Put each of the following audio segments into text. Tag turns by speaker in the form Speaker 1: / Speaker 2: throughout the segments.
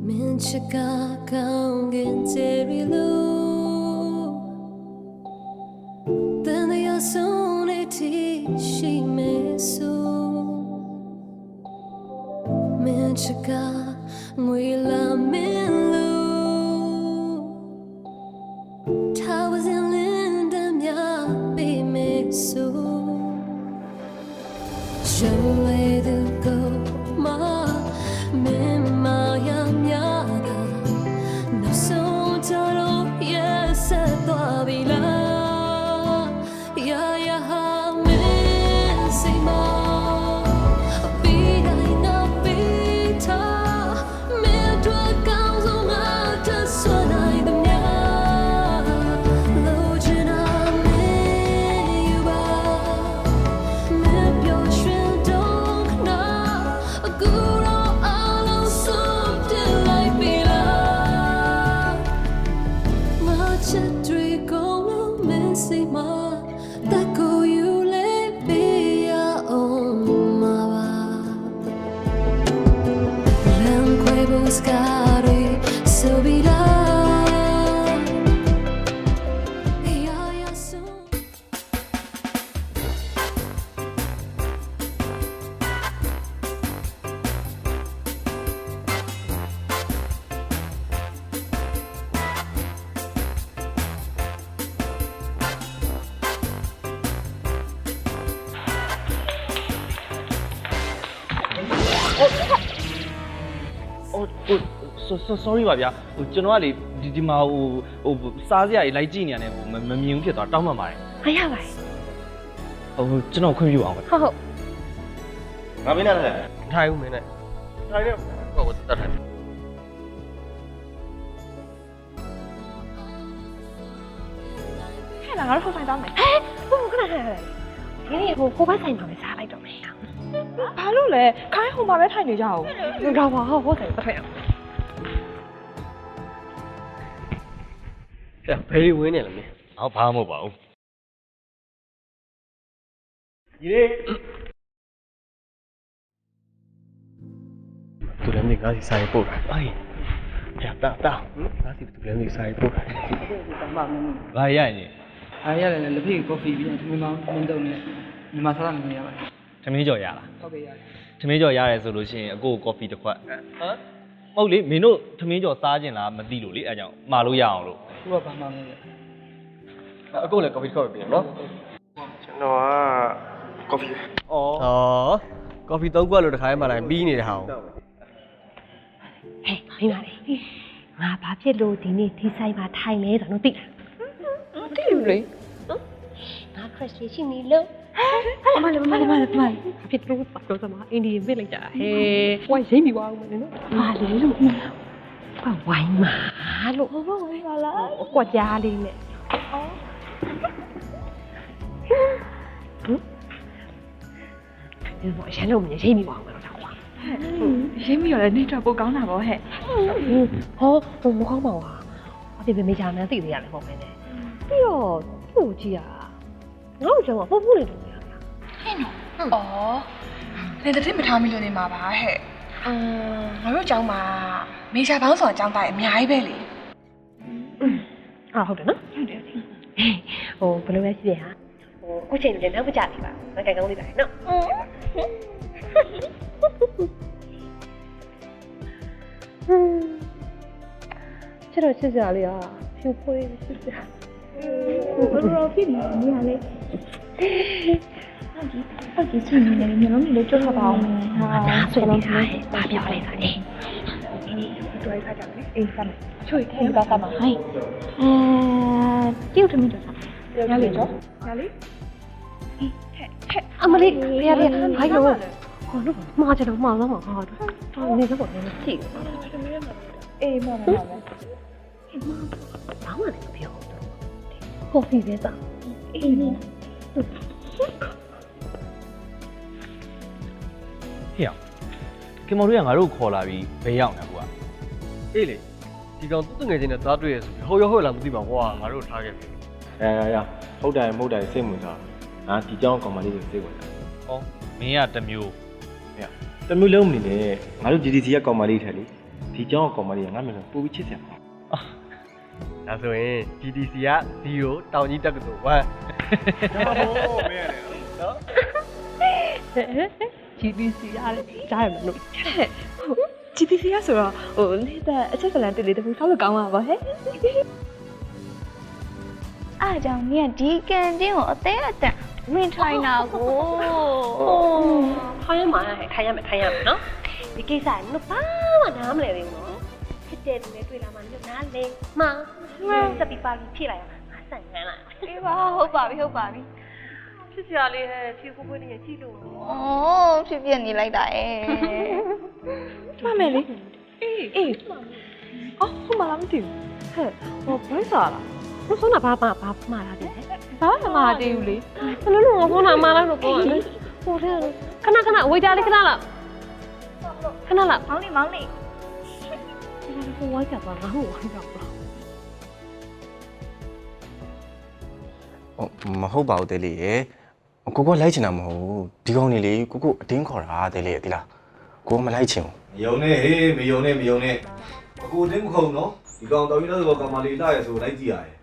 Speaker 1: Minchika kaungin terilu Then the yasuniti she mesu Minchika mwila minlu Towers in Lindam ya be mesu Show way to go ma
Speaker 2: sorry ပါဗျာဟိုကျွန်တော်ကလေဒီမှာဟိုစားစရာကြီးလိုက်ကြည့်နေရတယ်ဟိုမမြင်ဘူးဖြစ်သွားတောင်းပန်ပါတယ်
Speaker 1: ဟာရပါတယ်
Speaker 2: ဟိုကျွန်တော်ခွင့်ပြုအောင်ပဲ
Speaker 1: ဟုတ်
Speaker 2: ငါမင်းနဲ့ထိုင်ဦးမင်းနဲ့ထိုင်ရဟိုတတ်ထိုင်
Speaker 1: ဟဲ့လားငါတို့ဟိုဆိုင်တောင်းမယ်ဟဲ့ဘုံခဏဒီနေ့ဟိုဘက်ဆိုင်မှာပဲစားလိုက်တော့မယ်
Speaker 3: ဘာလို့လဲခိုင်းဟိုမှာပဲထိုင်နေကြအောင်
Speaker 1: တော့ပါဟိုဆိုင်ပတ်ထိုင်အောင်
Speaker 2: ဘယ်လိုဝင်းနေလဲမင်း
Speaker 4: ဟောဘာမှမဟုတ်ပါဘူး
Speaker 2: ဒီနေ့သူလည်းငါစီဆိုင်ပို့တာအေးရတာငါစီသူလည်းဆိုင်ပို့တာ
Speaker 4: ဘာရရင်
Speaker 5: အားရတယ်လက်ဖေးကော်ဖီပြီးသမီးမောင်းမင်းတုံးနဲ့မြန်မာစားနေရပါတယ်
Speaker 4: သမီးကြော်ရလား
Speaker 5: ဟုတ်ကဲ့ရတယ်
Speaker 4: သမီးကြော်ရတယ်ဆိုလို့ရှိရင်အကိုကော်ဖီတစ်ခွက်ဟမ်မဟုတ်လေမင်းတို့သမီးကြော်စားခြင်းလားမသိလို့လေအဲကြောင့်မှာလို့ရအောင်လို့
Speaker 5: သူကဘာမှမလုပ်
Speaker 2: အကိုလည်းကော်ဖီတစ်ခွက်ပဲပြင်နော်ကျွန်တော်ကကော်ဖီဩကော်ဖီ3ခွက်လို့တစ်ခါမှလိုက်ပြီးနေတဲ့ဟာကို
Speaker 1: ဟဲ့မိမလေးငါဘာဖြစ်လို့ဒီနေ့ဒီဆိုင်မှာထိုင်လဲဆိုတော့သိလား
Speaker 3: တိလူလေ
Speaker 1: ငါ crush ရှိနေလို့
Speaker 3: မလေး
Speaker 1: ဖြစ်လို့ပတ်တော့စမှာအင်ဒီပြစ်လိုက်တာဟဲ့
Speaker 3: ဝိုင်းရိမ့်ပြီးသွားအောင်မလို့နော်
Speaker 1: ဟာလေလို့ဘာဝိုင်းမှာလို့
Speaker 3: ဘာဝိုင်းပါလား
Speaker 1: အကွက်ကြားလေးနဲ့ဒီမှာရန်လို့မြင်ရိမ့်ပြီးသွားအောင်တော့ကွာ
Speaker 3: ရိမ့်ပြီးရလဲနေတော့ပိုကောင်းတာပေါ့ဟဲ့
Speaker 1: ဟောမကောင်းပါဘူးဟာအဖေမေချာမန်းသိသေးရတယ်ပေါ့မင်းနဲ့ပြီးတော့သူ့ကြည့်ရငါ့ကိုကြောင်ကပို့ပို့နေတယ်
Speaker 3: ဟဲ့နော်လေတတိမထားမိလို့နေမှာပါဟဲ့ငါတို့ကျောင်းမှာမေချာပေါင်းဆောင်ကျောင်းသားအများကြီးပဲလေ
Speaker 1: ဟုတ်တယ်နော်ဟုတ်တယ်ဟိုဘယ်လိုလဲရှိရဟာဟိုကိုချိန်လည်းနောက်မကြသေးပါငါကြိုင်ကောင်းလေးပါနော်ကျတော့စစ်စရာလေးอ่ะဖြူဖွေးစစ်စရာ
Speaker 3: ဘယ်လိုဖြစ်နေလဲလေဟုတ်ကြီးချိန်နေတယ်မျိုးလုံးလေးကြွတ်ပါအောင်
Speaker 1: ဟာနားဆွေးနေတာဟဲ့ဘာပြောလဲဆိုအေး
Speaker 3: တွဲခါကြမယ်အေးဆက်မယ်ချွေထဲပါပါဟိုင်း
Speaker 1: တိတ်ထမင်းတော့
Speaker 3: ရလေကြောရလေ
Speaker 1: အမလေးရဟိုင်းလို့ဟောလို့မှားကြတော့မှားတော့မှာဟာတော့နေတော့လည်းသိ
Speaker 3: အေးမှား
Speaker 1: ဘာမှလည်းပြောကော်ဖီပဲစား
Speaker 3: အေးနေ
Speaker 2: ဟေ့ကင်မော်တို့ကငါတို့ခေါ်လာပြီးဘယ်ရောက်နေကွာအေးလေဒီကောင်သူ့ငွေချင်းနဲ့သားတွေ့ရဆိုပြီးဟိုရောဟိုလာမသိပါဘူးကွာငါတို့ထားခဲ့ပြီ
Speaker 6: ရဟုတ်တယ်မဟုတ်တယ်စိတ်ဝင်စားငါဒီကြောင်းကောင်မလေးကိုစိတ်ဝင်စား
Speaker 4: ဩမင်းကတစ်မျိုး
Speaker 6: တမျိုးလုံးအနေနဲ့ငါတို့ GDC ကကောင်မလေးထက်လေဒီကြောင်းကောင်မလေးကငါမျက်နှာပို့ပြီးချစ်စရာပါ
Speaker 2: ဒါဆိုရင် GDC က0တောင်ကြီးတက္ကသိုလ်1ဟိုမင်းရတယ်နော်
Speaker 1: GDC ရတယ်ကြားရမလို့ GDC ရဆိုတော့ဟိုနေ့တဲ့အချက်ကလန်တစ်လေးတစ်ခုဆောက်လို့ကောင်းပါပါဟဲ့
Speaker 7: အားကြောင့်နင်ကဒီကန်တင်းကိုအသေးအတန်ဝင်ထိုင်တာကို
Speaker 1: ခိုင်းရမှာခိုင်းရမယ်နော်ဒီကိစ္စကနုဘာမှနားမလဲသေးဘူးနော်ဖြစ်တဲ့လူနဲ့တွေ့လာမှနုနားလေမစပီပါလီဖြည့်လိုက်အောင်ငါဆန်ငန်းလိုက်
Speaker 7: အေးပါဟုတ်ပါပြီ
Speaker 1: ဖြစ်စရာလေးဟဲ့ဖြည့်ကိုနေကြည့်လို့
Speaker 7: အော်ဖြစ်နေလိုက်တာ
Speaker 1: မှတ်မယ်လေအေးအော်ဟိုမလားမသိဘူးဟဲ့ဟိုဘယ်စားလားဘယ်ဆုံးတာဘာမှားလာတယ်ဘာမှမမှားသေးဘူးလေဘယ်လိုလုပ်ငါဖုန်းနာမှားလိုက်လို့ပြောရတယ်ဟိုတဲ့ခဏဝေးကြလေးခဏလားမောင်းနေ ဟိုဝိုင်းကြပါငါ့ကိုဝိုင်းကြပါ
Speaker 6: မဟုတ်ပါဘူးတဲလေးရေကိုကိုလိုက်ချင်တာမဟုတ်ဘူးဒီကောင်နေလေကိုအတင်းခေါ်တာတဲလေးရေဒီလားကိုမလိုက်ချင်ဘူး
Speaker 8: မယုံနဲ့ဟေးမယုံနဲ့အကိုတင်းမခုံနော်ဒီကောင်တော်ကြီးတော့ကောင်မလေးလာရဲဆိုလိုက်ကြည့်ရတယ်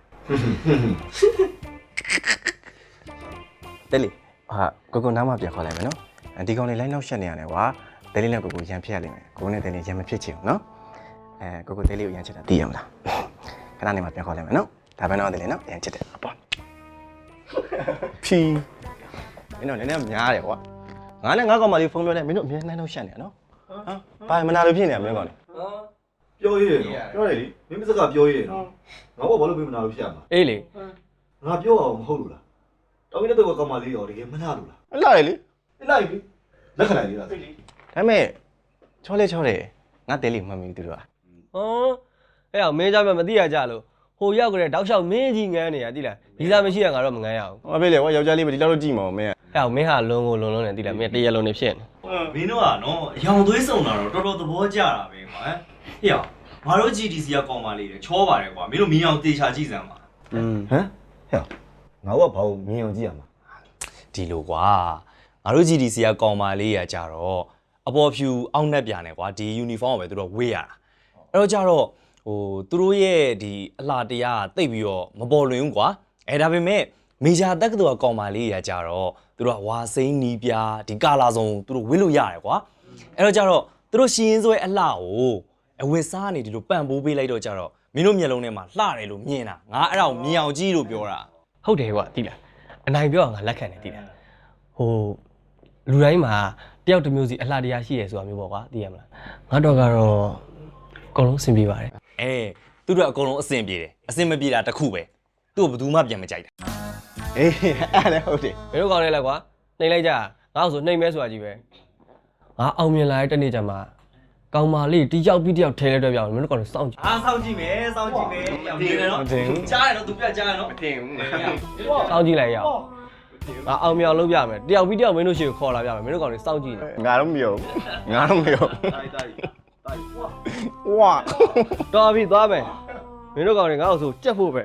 Speaker 6: တဲလေးဟာကိုနားမပြန်ခေါ်လိုက်မယ်နော်ဒီကောင်လေးလိုက်နောက်ရှက်နေရတယ်ကွာတဲလေးနဲ့ကိုရန်ဖြစ်ရလိမ့်မယ်ကိုနဲ့တဲလေးရန်မဖြစ်ချင်ဘူးနော်ကိုတဲလေးကိုရန်ချစ်တာသိရမလားခဏနေမှပြန်ခေါ်လိုက်မယ်နော်ဒါပဲနော်တဲလေးနော်ရန်ချစ်တယ်ပေါ့ဖြီးမင်းတို့လည်းများတယ်ကွာငါနဲ့ငါကောင်မလေးဖုန်းပြောတယ်မင်းတို့အမြဲနိုင်တော့ရှက်နေရနော်ဟမ်ဘာမနာလို့ဖြစ်နေရမင်းကောင်လေး
Speaker 8: ပြောရည်နော်ပြောတယ်လေမင်းမစကားပြောရည်နော်ငါဘာလို့ပြင်မနာလို့ဖြစ်ရမှာ
Speaker 2: အေးလေ
Speaker 8: ငါပြောအောင်မဟုတ်လို့လားတော်ကြီးတဲ့ကောင်မလေးရောတကယ်မနာလို့လား
Speaker 6: အလားလေလေ
Speaker 8: လိုက်ပြီလက်ခလိုက်လေးလား
Speaker 6: ဒါပေမဲ့ချောတယ်ငါတဲလေးမှတ်မိသူတို့က
Speaker 2: ဟောအဲ့အောင်မင်းကြမ်းမသိရကြလို့ဟိုရောက်ကြတဲ့တောက်လျှောက်မင်းကြီးငန်းနေရတိလားဒီစားမရှိရငါတော့မငန်းရအောင်
Speaker 6: ဟောဖေးလေကွာယောက်ျားလေးပဲဒီလောက်တော့ကြည့်မအောင်မင်း
Speaker 2: အဲ့အောင်မင်းဟာလုံးကိုလုံးနေတိလားမင်းတရလုံးနေဖြစ်နေ
Speaker 9: မင်းတို့ကနော်အယောင်သွေးစုံတာတော့တော်တော်သဘောကျတာပဲကွာဟဲ့အောင်ငါတို့ GDC ကကောင်းပါလေချောပါတယ်ကွာမင်းတို့မြင်အောင်တေချာကြည့်စမ်းပါ
Speaker 8: ဟမ်ဟဲ့ငါကဘာလို့မြင်အောင်ကြည့်ရမှာ
Speaker 9: ဒီလိုကွာငါတို့ GDC ကကောင်းပါလေရကြတော့အပေါ်ဖြူအောက်နှက်ပြနေကွာဒီ uniform ကိုပဲသူတို့ဝေးရတာအဲ့တော့ကြတော့ဟိုသူတို့ရဲ့ဒီအလှတရားတိတ်ပြီးတော့မပေါ်လွင်ဘူးကွာဒါပေမဲ့မေဂျာတက္ကသိုလ်ကကောင်းပါလေရကြတော့သူတို့ကဝါစိမ့်နီးပြားဒီကာလာစုံသူတို့ဝေးလို့ရတယ်ကွာအဲ့တော့ကြတော့သူတို့ရှင်ရင်ဆွဲအလှကိုအဝတ်စားနေဒီလိုပန့်ပိုးပေးလိုက်တော့ကြတော့မင်းတို့မျက်လုံးထဲမှာလှတယ်လို့မြင်တာငါအဲ့ဒါကိုမြင်အောင်ကြည့်လို့ပြောတာ
Speaker 2: ဟုတ်တယ်ကွာတိလားအနိုင်ပြောအောင်ငါလက်ခံတယ်တိလားဟိုလူတိုင်းမှာတယောက်တစ်မျိုးစီအလှတရားရှိရဆိုတာမျိုးပေါ့ကွာသိရမလားငါတော့ကတော့အကုန်လုံးအဆင်ပြေပါတယ်
Speaker 9: သူတို့အကုန်လုံးအဆင်ပြေတယ်အဆင်မပြေတာတခုပဲသူ့ကိုဘယ်သူမှပြန်မကြိုက်တာ
Speaker 6: အေးအဲ့လည်းဟုတ်တယ်
Speaker 2: မင်းတို့ကောင်းနေလိုက်ကွာနှိမ်လိုက်ကြငါ့ဆိုနှိမ်မဲဆိုတာကြီးပဲငါအောင်မြင်လာတဲ့တနေ့ကျမှကောင်မလေးတယောက်ပြီးတယောက်ထဲလဲတွဲပြောင်းမင်းတို့ကောင်းနေစောင့်ကြည့်
Speaker 9: စောင့်ကြည့်မယ်စောင့်ကြည့်မယ်မြင်တယ်နော်ကြားတယ်နော်သူပြကြားတယ်နော်မတင်ဘူး
Speaker 2: စောင့်ကြည့်လိုက်ရအောင်ငါအောင်မြောင်လုပ်ပြမယ်တယောက်ပြီးတယောက်မင်းတို့ရှိကိုခေါ်လာပြမယ်မင်းတို့ကောင်းနေစောင့်ကြည့်နေ
Speaker 6: ငါတော့မယုံဝါ
Speaker 2: တော်ပြီသွားမယ်မင်းတို့ကောင်းနေငါ့ကိုဆိုကြက်ဖို့ပဲ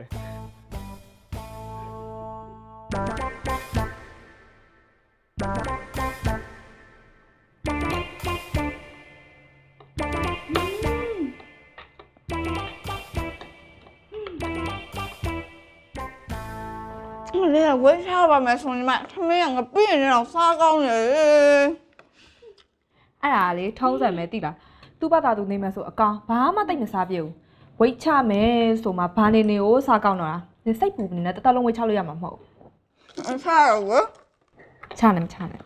Speaker 7: 你也为啥吧没送你买？他们两个闭着让撒高呢。
Speaker 3: အဲ့ဒါလေထုံးစံပဲတိလားသူ့ဘာသာသူနေမယ်ဆိုအကောင်ဘာမှတိတ်မစားပြဘူးဝိတ်ချမယ်ဆိုမှဘာနေနေကိုစားကောင်းတော့တာနေစိတ်ပူနေနဲ့တတလုံးဝိတ်ချလို့ရမှာမဟုတ်
Speaker 7: 啥呀我？
Speaker 3: ချနေမချနဲ့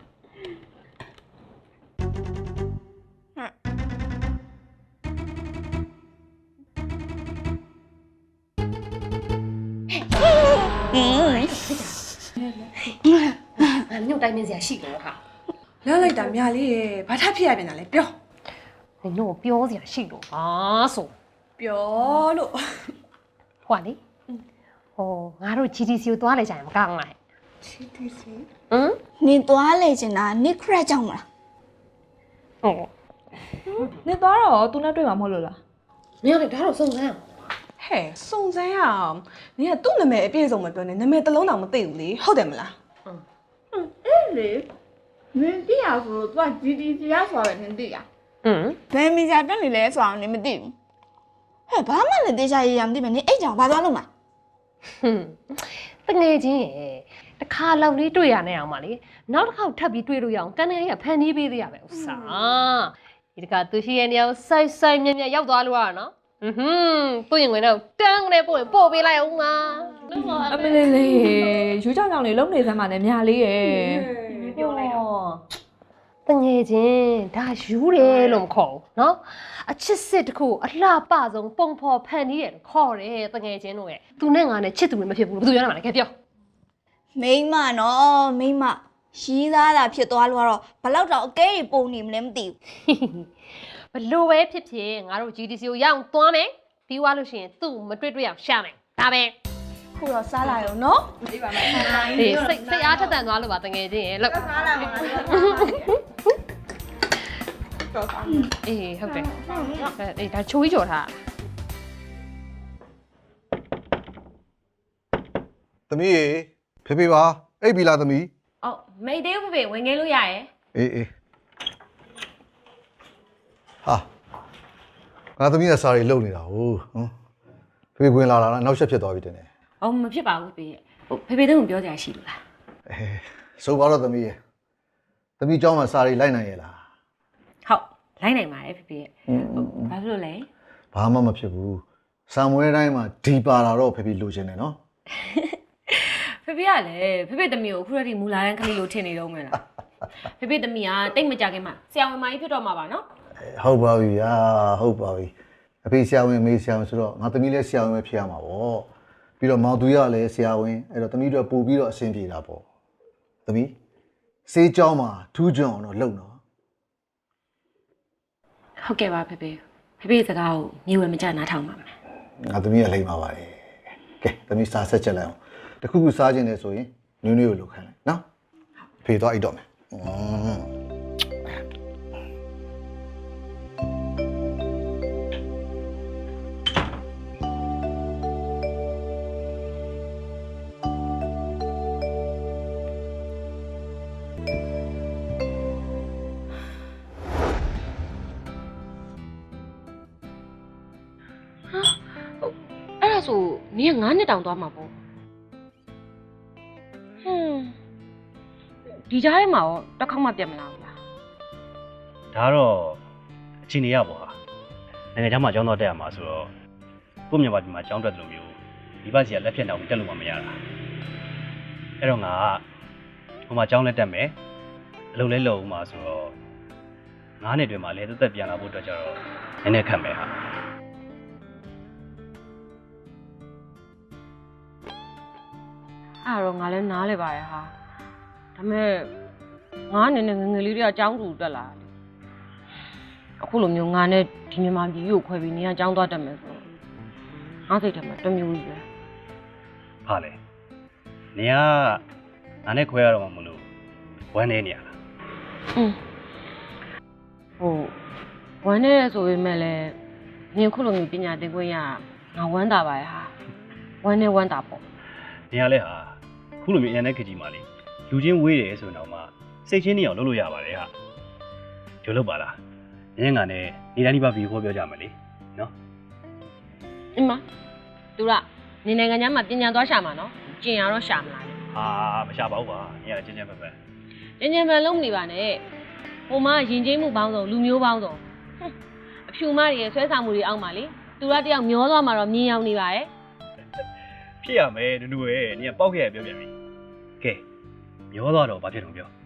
Speaker 1: ညို့တိုင်းမင်းစရာရှိလို့ဟာ
Speaker 3: လောက်လိုက်တာမြလေးရေဘာထဖြစ်ရပြန်တာလဲပြော
Speaker 1: နင်တို့ပြောစရာရှိလို့ဟာဆို
Speaker 3: ပြောလို့
Speaker 1: ဟွာလေဟိုငါတို့ GDC ကိုသွားလိုက်ကြရင်မကောင်းလား
Speaker 7: GDC
Speaker 1: ဟမ်
Speaker 7: 你多累着呢，你快讲嘛。
Speaker 1: ဟုတ်
Speaker 3: နေသွားတော့သူနဲ့တွေ့မှာမဟုတ်လို့လား
Speaker 1: မင်းလည်းဒါတော့စုံစမ်းအောင်
Speaker 3: ဟဲ့စုံစမ်းရအောင်နင်ကသူ့နာမည်အပြည့်စုံမပြောနဲ့နာမည်တစ်လုံးတောင်မသိဘူးလေဟုတ်တယ်မလား
Speaker 7: 哎嘞，你弟呀说做 GDC 呀说的，你弟呀。 ဘယ်မီဂျာတက်နေလဲဆိုအောင်နေမသိဘူးဟဲ့ဘာမှလည်းတေချာရရမသိမနဲ့အဲ့ကြောင်ဘာသွားလို့မှာ
Speaker 1: တငယ်ချင်းရဲ့တခါလောက်လေးတွေ့ရနေအောင်ပါလေနောက်တစ်ခေါက်ထပ်ပြီးတွေ့လို့ရအောင်တန်းနေရဖန်တီးပေးသေးရပဲဥစားဒီတခါသူရှိရဲ့နေရာကိုစိုက်မြက်ရောက်သွားလို့ရနော်သူ့ရင်ဝင်တော့တန်းကနေပို့ပေးလိုက်အောင်ပါ
Speaker 3: အမလေးလေးယူကြောင်ကြောင်လေးလုံနေစမ်းပါနဲ့မြာလေးရဲ့
Speaker 1: ပြောလိုက်တော့တငယ်ချင်းဒါယူတယ်လို့မခေါ်ဘူးနော်အချစ်စစ်တစ်ခုအလှပဆုံးပုံဖော်ဖန်တီးရတယ်ခေါ်တယ်တငယ်ချင်းတို့ရဲ့သူနဲ့ငါနဲ့ချစ်သူတွေမဖြစ်ဘူးဘယ်သူပြောရမှာလဲကဲပြော
Speaker 7: မိမနော်မိမရီးသားတာဖြစ်သွားလို့ကတော့ဘလောက်တောင်အကဲကြီးပုံနေမလဲမသိဘူး
Speaker 1: ဘလို့ပဲဖြစ်ဖြစ်ငါတို့ GDC ကိုရအောင်သွားမယ်ပြီးသွားလို့ရှိရင်သူ့မတွေ့အောင်ရှာမယ်ဒါပဲ
Speaker 7: ခုတော့စားလာရောနော်
Speaker 3: ဒီပါမယ်
Speaker 1: အေးစိတ်အားထက်သန်သွားလို့ပါတငယ်ချင်းရဲ့လို့
Speaker 7: စားလာပါတော့
Speaker 1: အေးဟုတ်တယ်အေးဒါချိုးကြီးကြော်ထား
Speaker 8: သမီးရေဖေဖေပါအိပ်ပြီလားသမီး
Speaker 1: အော်မိတ်သေးဘူးဖေဝင်ငယ်လို့ရရဲ့
Speaker 8: အေးဟာငါသမီးကစားရီလုံနေတာဟုတ်ဖေဖေဝင်လာတာနောက်ဆက်ဖြစ်သွားပြီတင်တယ်
Speaker 1: အော်မဖြစ်ပါဘူးဖေဟိုဖေဖေတို့ကပြောကြရရှိလို့လား
Speaker 8: ဆိုပါတော့သမီးရေသမီးเจ้าမှာစားရီလိုက်နိုင်ရဲ့လား
Speaker 1: ဟုတ်လိုက်နိုင်ပါတယ်ဖေဖေဘာဖြစ်လို့လဲ
Speaker 8: ဘာမှမဖြစ်ဘူးဆံမွဲတိုင်းမှာဒီပါလာတော့ဖေဖေလိုချင်တယ်နော်
Speaker 1: ဖေဖေကလည်းဖေဖေသမီးကိုခုရတိမူလာရန်ကလေးလိုထင်နေတော့မယ်လားဖေဖေသမီးကတိတ်မကြခင်မှာဆရာဝန်မကြီးဖြစ်တော့မှာပါနော်
Speaker 8: ဟုတ်ပါပြီဟာဟုတ်ပါပြီအဖေဆရာဝန်အမေဆရာဝန်ဆိုတော့ငါသမီးလည်းဆရာဝန်ပဲဖြစ်ရမှာပေါ့ပြီးတော့မောင်သူရလည်းဆရာဝန်အဲ့တော့သမီးတို့ပို့ပြီးတော့အဆင်ပြေတာပေါ့သမီးစေးเจ้าမှာထူးကြွအောင်တော့လုံတော့
Speaker 1: ဟုတ်ကဲ့ပါဖေဖေဖေဖေစကားကိုမြေဝဲမကြနားထောင်ပါမယ်
Speaker 8: ငါသမီးကလိမ့်ပါပါတယ်ကဲသမီးစားဆက်ချက်လိုက်အောင်တခုခုစားခြင်းနဲ့ဆိုရင်နွေးနွေးကိုလှုပ်ခိုင်းလိုက်နော်ဖေသွားအိတ်တော့မယ်
Speaker 1: အဲ့ဒါဆိုနင်က9နှစ်တောင်သွားမှာပေါ့ဒီကြားထဲမှာရောတစ်ခေါက်မှပြတ်မလာဘူးလား
Speaker 10: ဒါတော့အချိန်နေရပါဟာနိုင်ငံခြားမှာကျောင်းတော်တက်ရမှာဆိုတော့ကိုမြန်မာပြည်မှာကျောင်းတက်တယ်လို့မျိုးဒီဘက်စီကလက်ဖြတ်တောင်တက်လို့မှမရတာအဲ့တော့ငါကဟိုမှာကျောင်းလက်တက်မယ်အလုပ်လဲလုပ်ဦးမှာဆိုတော့9နှစ်တွင်မှာလဲသက်ပြန်လာဖို့အတွက်ကြတော့နည်းနည်းခက်မယ်ဟာ
Speaker 1: အဲ့တော့ငါလည်းနားလဲပါရဲ့ဟာဒါပေမဲ့ငါအနေနဲ့ငယ်ငယ်လေးတွေကကြောင်းတူတက်လာတယ်အခုလိုမျိုးငါနဲ့ဒီမြန်မာပြည်ကိုခွဲပြီးနေရကြောင်းသွားတက်မယ်ဆိုတော့ငါစိတ်ထဲမှာတစ်မျိုးကြီးပဲ
Speaker 10: ဟာလေနေကငါနဲ့ခွဲရတော့မှမလို့ဝမ်းနေနေရလား
Speaker 1: ဟိုဝမ်းနေရဆိုပေမဲ့လည်းနင်ခုလိုမျိုးပညာသင်ခွင့်ရငါဝမ်းတာပါရဲ့ဟာဝမ်းနေဝမ်းတာပေါ့
Speaker 10: နေရလဲဟာခုလိုမျိုးအရင်နဲ့ခကြီးမှလေလူချင်းဝေးတယ်ဆိုတော့မှစိတ်ချင်းနေအောင်လုပ်လို့ရပါတယ်ဟာဒီလိုပါလားငင်းငါနဲ့နေတိုင်းဒီပါဗီကိုပြောကြမယ်လေနော်
Speaker 1: အမသူကနေနိုင်ငံခြားမှာပညာသွားရှာမှာနော်ကျင်ရတော့ရှာမလား
Speaker 10: ဟာမရှာပါဘူးပါနေရချင်းချင်းပဲပဲ
Speaker 1: ကျင်ကျင်ပဲလုံးမနေပါနဲ့ဟိုမှာယဉ်ကျေးမှုပေါင်းစုံလူမျိုးပေါင်းစုံအဖြူမတွေရဲ့ဆွဲဆောင်မှုတွေအောက်မှာလေသူတယောက်မျောသွားမှာတော့မြင်ရောက်နေပါရဲ့
Speaker 10: ဖြစ်ရမယ်နူနူရဲ့နေပေါက်ခဲ့ရပြောပြန်ပြီကဲမျောသွားတော့ဘာဖြစ်တော့ပြော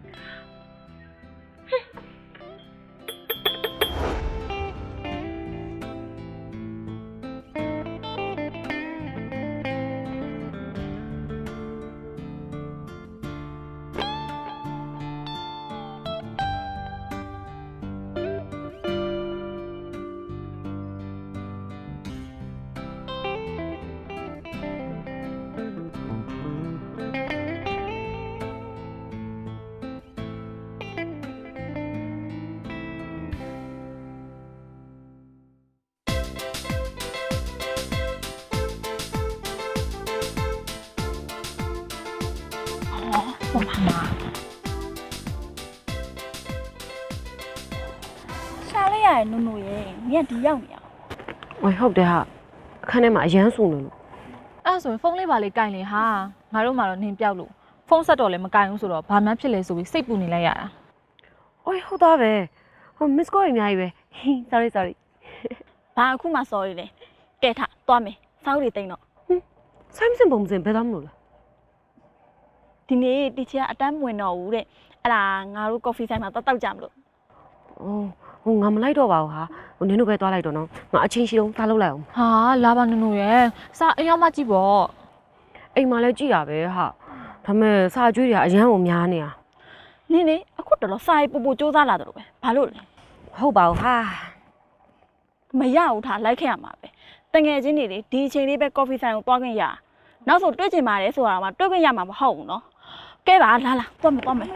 Speaker 7: ရနုံနုံရဲ့နင်ကဒီရောက်နေရ
Speaker 1: ဝေဟုတ်တယ်ဟာအခန်းထဲမှာအရန်စုံနေလို့
Speaker 3: အဲ့ဒါဆိုရင်ဖုန်းလေးပါလေးကင်လေဟာငါတို့မှတော့နင်ပြောက်လို့ဖုန်းဆက်တော့လည်းမကင်ဘူးဆိုတော့ဘာမှဖြစ်လဲဆိုပြီးစိတ်ပူနေလိုက်ရတာ
Speaker 1: ဝေဟုတ်သားပဲဟို miss call အများကြီးပဲ sorry
Speaker 7: ဘာအခုမှ sorry လေကဲထားသွားမယ်စောက်တွေတိန်တော့
Speaker 1: ဆိုင်မစင်ပုံစံဘယ်သားမလို့လဲ
Speaker 7: ဒီနေ့တီချာအတန်းမဝင်တော့ဘူးတဲ့အဲ့ဒါငါတို့ coffee ဆိုင်မှာတောက်ကြမလို့
Speaker 1: အော်ဟိုငါမလိုက်တော့ပါဘူးဟာဟိုနင်တို့ပဲသွားလိုက်တော့နော်ငါအချင်းရှိတော့သားလောက်လိုက်အောင်
Speaker 3: ဟာလာပါနုံနုံရဲ့စာအရောက်မှကြည့်ပေါ့
Speaker 1: အိမ်မှာလည်းကြည့်ရပဲဟာဒါမဲ့စာကြွေးတွေကအရန်ကိုများနေတာ
Speaker 7: နင်လေအခုတော်တော်စာရေးပို့စူးစမ်းလာတယ်လို့ပဲဘာလို့လဲ
Speaker 1: ဟုတ်ပါဘူးဟာ
Speaker 7: မရဘူးထားလိုက်ခဲ့ရမှာပဲတငယ်ချင်းတွေလေဒီအချိန်လေးပဲ coffee ဆိုင်ကိုသွားခွင့်ရနောက်ဆိုတွေ့ချင်ပါတယ်ဆိုတာမှတွေ့ခွင့်ရမှာမဟုတ်ဘူးနော်ကဲပါလာသွားမယ်
Speaker 3: သွားမယ်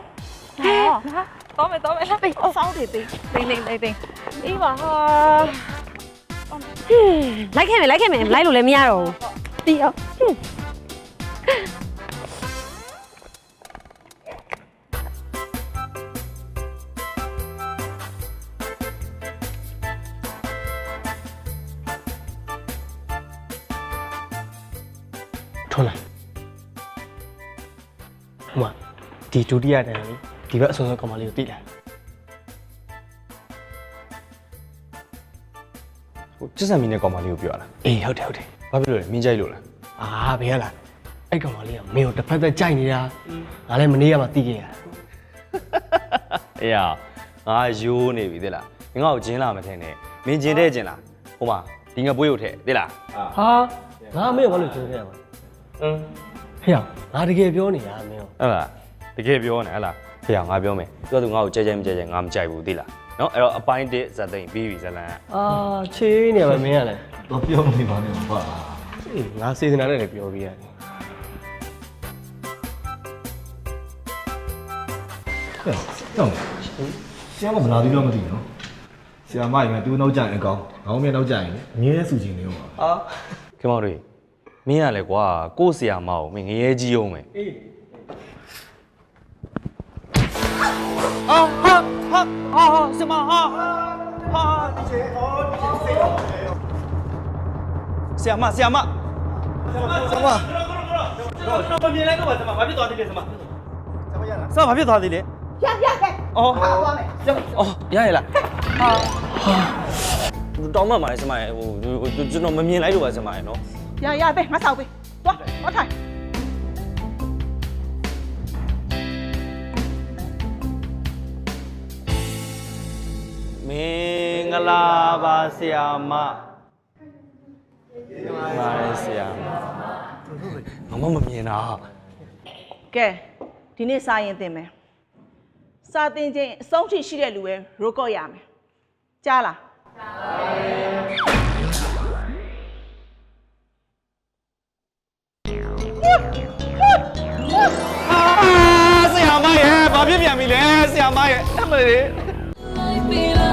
Speaker 3: လာပေး
Speaker 7: စောက်တွေပေး
Speaker 3: တိန်အေးပါဟာ
Speaker 1: လိုက်ခဲ့မယ်မလိုက်လို့လည်းမရတော့ဘူး
Speaker 7: တီးအောင်
Speaker 2: ထွန်းလိုက်ဟိုမှာဒီဒုတိယတန်းလေးဒီဘက်အဆုံးဆုံးကောင်မလေးကိုတိလိုက်
Speaker 9: ဟိုချစ်စံမီနဲ့ကောင်မလေးကိုပြောရလား
Speaker 2: အေးဟုတ်တယ်
Speaker 9: ဘာဖြစ်လို့လဲမင်းကြိုက်လို့လား
Speaker 2: အာဘယ်ရလားအဲ့ကောင်မလေးကမင်းကိုတစ်ဖက်သက်ကြိုက်နေတာငါလည်းမနေရမှသိခဲ့ရ
Speaker 9: အေးရငါရိုးနေပြီသိလားမင်းငါ့ကိုဂျင်းလာမထင်နဲ့မင်းဂျင်းတဲ့ဂျင်းလားဟိုမှာဒီငါပွေးကိုထည့်သိလား
Speaker 2: ဟာငါမင်းကိုဘာလို့ကြိုးခဲ့ရမှာဟေ့ငါတကယ်ပြောနေတာမင်းကို
Speaker 9: ဟုတ်လားတကယ်ပြောနေဟဲ့လားဖေငါပြောမယ်ပြောသူငါ့ကိုကြဲကြဲမကြဲကြဲငါမကြိုက်ဘူးသိလားနော်အဲ့တော့အပိုင်း1ဇက်သိမ့်ပြီးပြီဇလန်
Speaker 2: အာချေးနေပါမင်းကလည်း
Speaker 8: တော့ပြောနေပါနဲ့ပါ
Speaker 2: အေးငါစေစနာနဲ့လည်းပြောပြရတယ်
Speaker 8: တော့ဆရာမမလာသေးတော့မသိဘူးနော်ဆရာမရင်ကသူ့နောက်ကြရင်အကောင်ငေါင်းမြနောက်ကြရင်အမြဲဆူချင်နေအောင်ပါ
Speaker 9: ခင်မောင်တို့မင်းရလဲကွာကို့ဆရာမအောင်မင်းငရဲကြီးအောင်မယ်အေးဆရာမဆရာမဆရာမမမြင်လိုက်တော့ပါဆရာမဘာဖြစ်သွားသေးလဲဆရာမဆရာမဘာဖြစ်သွားသေးလဲရအော်သွားမယ်အော်ရရလားတောင်းမှမှာလေဆရာမဟိုကျွန်တော်မမြင်လိုက်လို့ပါဆရာမရနော်
Speaker 11: ရပဲငါဆောက်ပဲသွားထိုင်
Speaker 9: မင်္ဂလာပါဆရာမပါဆရာမမမမြင်တာ
Speaker 11: ကဲဒီနေ့စာရင်သင်မယ်စာသင်ခြင်းအဆုံးထိရှိတဲ့လူပဲရိုးကော့ရမယ်ကြားလား
Speaker 9: ဆရာမရဲ့ဘာဖြစ်ပြန်ပြီလဲဆရာမရဲ့အမလေး
Speaker 12: Like me,